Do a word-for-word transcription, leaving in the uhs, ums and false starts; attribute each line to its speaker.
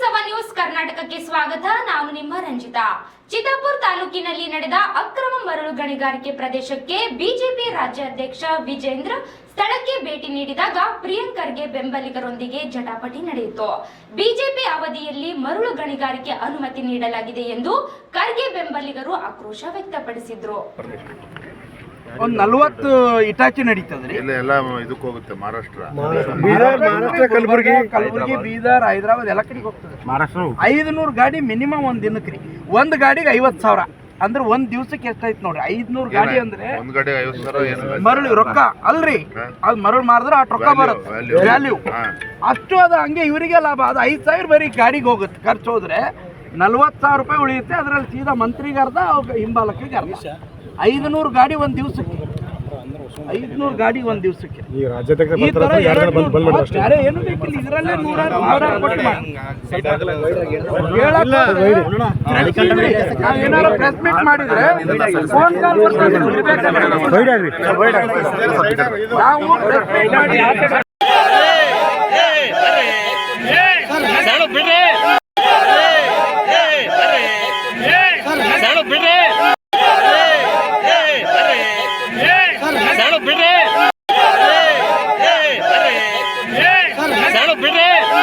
Speaker 1: Lok Sabha news ಕರ್ನಾಟಕಕ್ಕೆ ಸ್ವಾಗತ. ನಾನು ನಿಮ್ಮ ರಂಜಿತಾ. ಚಿತ್ತಾಪುರ ತಾಲೂಕಿನಲ್ಲಿ ನಡೆದ ಅಕ್ರಮ ಮರಳು ಗಣಿಗಾರಿಕೆ ಪ್ರದೇಶಕ್ಕೆ ಬಿಜೆಪಿ ರಾಜ್ಯಾಧ್ಯಕ್ಷ ವಿಜೇಂದ್ರ ಸ್ಥಳಕ್ಕೆ ಭೇಟಿ ನೀಡಿದಾಗ ಪ್ರಿಯಾಂಕರ್ಗೆ ಬೆಂಬಲಿಗರೊಂದಿಗೆ ಜಟಾಪಟಿ ನಡೆಯಿತು. ಬಿಜೆಪಿ ಅವಧಿಯಲ್ಲಿ ಮರಳು ಗಣಿಗಾರಿಕೆ ಅನುಮತಿ ನೀಡಲಾಗಿದೆ ಎಂದು ಖರ್ಗೆ ಬೆಂಬಲಿಗರು ಆಕ್ರೋಶ ವ್ಯಕ್ತಪಡಿಸಿದ್ರು.
Speaker 2: ಒಂದ್ ನಲ್ವತ್ತು ಇಟಾಚಿ ನಡೀತದ್ರಿ.
Speaker 3: ಎಲ್ಲ ಇದಕ್ಕೆ ಹೋಗುತ್ತೆ. ಮಹಾರಾಷ್ಟ್ರ,
Speaker 2: ಬೀದರ್, ಮಹಾರಾಷ್ಟ್ರ, ಕಲಬುರಗಿ, ಕಲಬುರಗಿ, ಬೀದರ್, ಹೈದರಾಬಾದ್ ಎಲ್ಲ ಕಡೆಗೆ ಹೋಗ್ತದೆ. ಮಹಾರಾಷ್ಟ್ರ ಐದುನೂರು ಗಾಡಿ ಮಿನಿಮಮ್ ಒಂದ್ ದಿನಕ್ಕೆ ರೀ. ಒಂದ್ ಗಾಡಿಗೆ ಐವತ್ ಸಾವಿರ ಅಂದ್ರೆ ಒಂದ್ ದಿವ್ಸಕ್ಕೆ ಎಷ್ಟಾಯ್ತು ನೋಡ್ರಿ. ಐದ್ನೂರು ಗಾಡಿ ಅಂದ್ರೆ
Speaker 3: ಒಂದ್ ಗಾಡಿ ಐವತ್ ಸಾವಿರ
Speaker 2: ಮರಳು ರೊಕ್ಕ ಅಲ್ರಿ. ಅದ್ ಮರಳು ಮಾರಿದ್ರೆ ಅಷ್ಟು ರೊಕ್ಕ ಬರುತ್ತೆ, ವ್ಯಾಲ್ಯೂ ಅಷ್ಟು. ಅದ ಹಂಗೆ ಇವರಿಗೆ ಲಾಭ. ಅದು ಐದ್ ಸಾವಿರ ಬರೀ ಗಾಡಿಗೆ ಹೋಗುತ್ತೆ. ಖರ್ಚು ಹೋದ್ರೆ ನಲ್ವತ್ತು ಸಾವಿರ ರೂಪಾಯಿ ಉಳಿಯುತ್ತೆ. ಅದ್ರಲ್ಲಿ ಸೀದಾ ಮಂತ್ರಿಗೆ ಅರ್ಧ, ಹಿಂಬಾಲಕಿಗೆ ಅರ್ಧ. ಐದುನೂರು ಗಾಡಿ ಒಂದ್ ದಿವ್ಸಕ್ಕೆ, ಐದ್ನೂರು ಗಾಡಿ ಒಂದ್ ದಿವ್ಸಕ್ಕೆ. ಈ ತರ ಬೇರೆ ಏನು ಬೇಕಿಲ್ಲ. ಇದರಲ್ಲೇ ನೂರಾರು ನೂರಾರು ಕೋಟಿ ಮಾಡಿ ನಾವೇನಾದ್ರು ಪ್ರೆಸ್ ಮೀಟ್ ಮಾಡಿದ್ರೆ ಫೋನ್ ಕಾಲ್ ಬರ್ತದೆ. ನಾವು ಪ್ರೆಸ್ ಮೀಟ್ ಮಾಡಿ